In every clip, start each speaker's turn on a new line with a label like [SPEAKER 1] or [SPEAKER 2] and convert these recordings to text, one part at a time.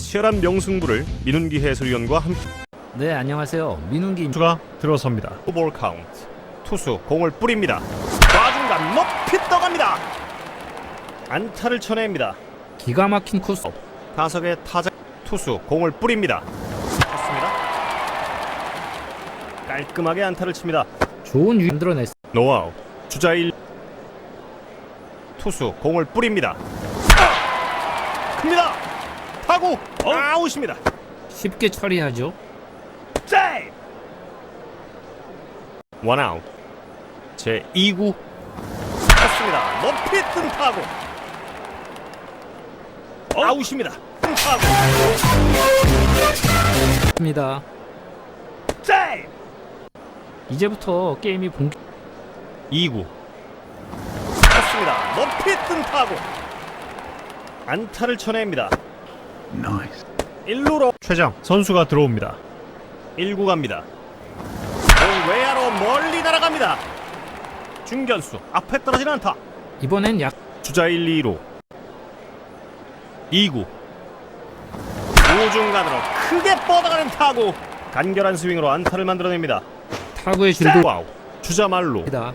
[SPEAKER 1] 치열한 명승부를 민운기 해설위원과 함께.
[SPEAKER 2] 네, 안녕하세요. 민운기
[SPEAKER 1] 투수가 들어섭니다. 볼 카운트. 투수 공을 뿌립니다. 좌중간 높이 떠갑니다. 안타를 쳐냅니다.
[SPEAKER 2] 기가 막힌 코스.
[SPEAKER 1] 타석의 타자 투수 공을 뿌립니다. 쳤습니다. 깔끔하게 안타를 칩니다.
[SPEAKER 2] 좋은 유 만들어냈어.
[SPEAKER 1] 노아웃. 주자 1. 투수 공을 뿌립니다. 큽니다. 타구 아웃입니다.
[SPEAKER 2] 쉽게 처리하죠.
[SPEAKER 1] 세이브. 원아웃. 제 2구 쳤습니다. 높이 뜬 타구 아웃입니다. 뜬 타구
[SPEAKER 2] 입니다.
[SPEAKER 1] 세이브.
[SPEAKER 2] 이제부터 게임이 본격.
[SPEAKER 1] 2구 쳤습니다. 높이 뜬 타구 안타를 쳐냅니다. 1루로 최정 선수가 들어옵니다. 1구 갑니다. 공 외야로 멀리 날아갑니다. 중견수 앞에 떨어지는 안타.
[SPEAKER 2] 이번엔 약
[SPEAKER 1] 주자 1, 2루 2구 우중간으로 크게 뻗어가는 타구. 간결한 스윙으로 안타를 만들어냅니다.
[SPEAKER 2] 타구의 줄도
[SPEAKER 1] 와우. 주자 말루
[SPEAKER 2] 다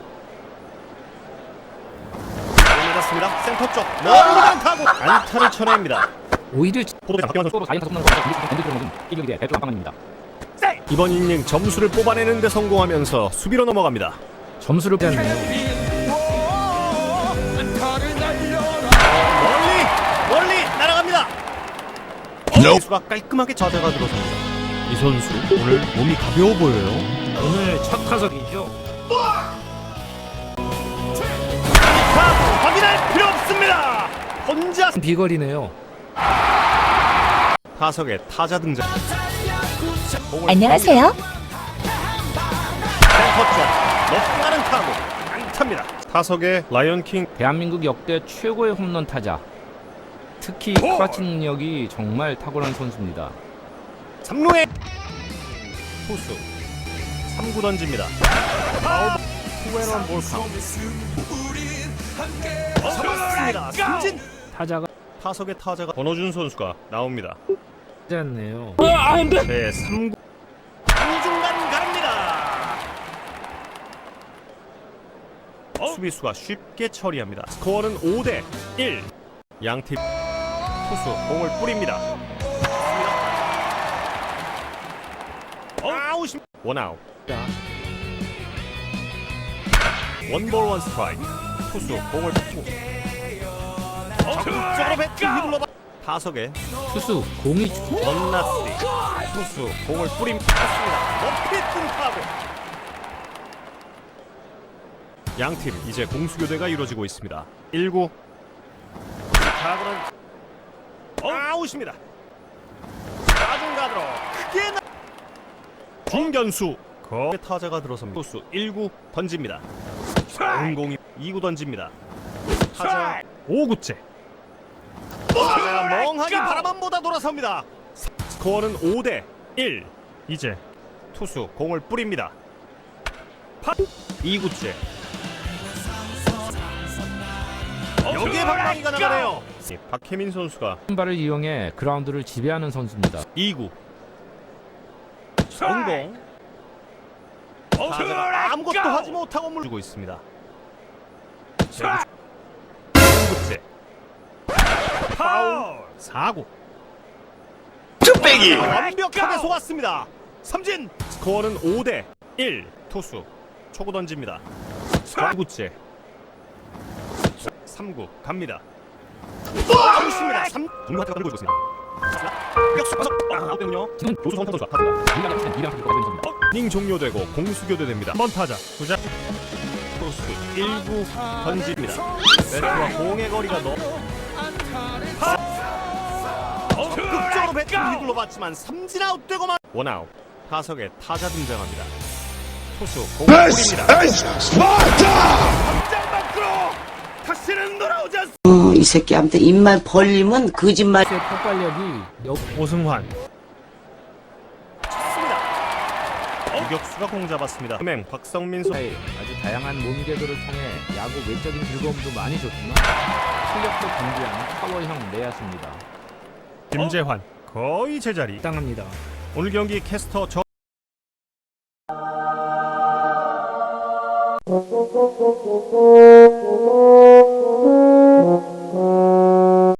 [SPEAKER 1] 맞았습니다. 센터 쪽 멀리 가는 타구 안타를 쳐냅니다.
[SPEAKER 2] 오히려
[SPEAKER 1] 이번 이닝 점수를 뽑아내는 데 성공하면서 수비로 넘어갑니다.
[SPEAKER 2] 점수를 빼앗네요.
[SPEAKER 1] 멀리 날아갑니다. 선수가 깔끔하게 좌대가 들어섭니다. 이 선수 오늘 몸이 가벼워 보여요.
[SPEAKER 2] 오늘 첫 타석이죠.
[SPEAKER 1] 확인할 필요 없습니다. 혼자
[SPEAKER 2] 비거리네요.
[SPEAKER 1] 타석에 타자 등장.
[SPEAKER 3] 안녕하세요.
[SPEAKER 1] 센터 쪽 높이 가는 타구 안타입니다. 타석에 라이언킹
[SPEAKER 2] 대한민국 역대 최고의 홈런 타자. 특히 스타팅 능력이 정말 탁월한 선수입니다.
[SPEAKER 1] 3루에 투수 3구 던집니다. 투앤원 볼 카운트. 잡았습니다. 삼진.
[SPEAKER 2] 타자가
[SPEAKER 1] 타석의 타자가 권호준 선수가 나옵니다.
[SPEAKER 2] 짜네요.
[SPEAKER 1] 제 3구 중간 가릅니다. 수비수가 쉽게 처리합니다. 스코어는 5대1. 양팀 투수 공을 뿌립니다. 아웃. 원아웃. 원볼 원 스트라이크. 투수 공을 뿌고 적극적으로 배트 휘둘러 타석에
[SPEAKER 2] 투수 공이
[SPEAKER 1] 원나스리. 투수 공을 뿌립니다. 높이 뜬 타구. 양팀 이제 공수교대가 이루어지고 있습니다. 1구 타구는 아웃입니다. 좌중간으로 크게 중견수 거 타자가 들어섭니다. 투수 1구 던집니다. 공공이 2구 던집니다. 타자 5구째. 타자가 멍하니 바라만 보다 돌아섭니다. 스코어는 5대1. 이제 투수 공을 뿌립니다. 2구째. 여기에 방망이가 나가네요. 박혜민 선수가
[SPEAKER 2] 발을 이용해 그라운드를 지배하는 선수입니다.
[SPEAKER 1] 2구 성공. 타자가 아무것도 하지 못하고 물고 있습니다. 3구째 파울. 4구 쭈빼기 완벽하게 속았습니다. 삼진. 스코어는 5대1. 투수 초구 던집니다. 3구째 3구 갑니다. 아웃입니다. 3 중간까지 들고 있습니다. 격수 파석 아웃되군요.
[SPEAKER 2] 지금
[SPEAKER 1] 조수 선타 선수가 타입니다. 이닝 종료되고 공수교대됩니다. 한번 타자 주자 투수 1구 던집니다. 배트와 공의 거리가 적극적으로 배트를 휘둘러 봤지만 삼진 아웃되고만 원아웃. 타석에 타자 등장합니다. 투수 공을 뿌립니다. 당장 밖으로 다시는 돌아오지 않습니다.
[SPEAKER 3] 이 새끼한테 입만 벌리면 거짓말.
[SPEAKER 2] 폭발력이
[SPEAKER 1] 오승환 쳤습니다. 유격수가 공 잡았습니다. 은행 박성민 선수
[SPEAKER 2] 아주 다양한 몸개그를 통해 야구 외적인 즐거움도 많이 줬지만 실력도 겸비한 파워형 내야수입니다.
[SPEAKER 1] 김재환 거의 제자리.
[SPEAKER 4] 당합니다.
[SPEAKER 1] 오늘 경기 캐스터 저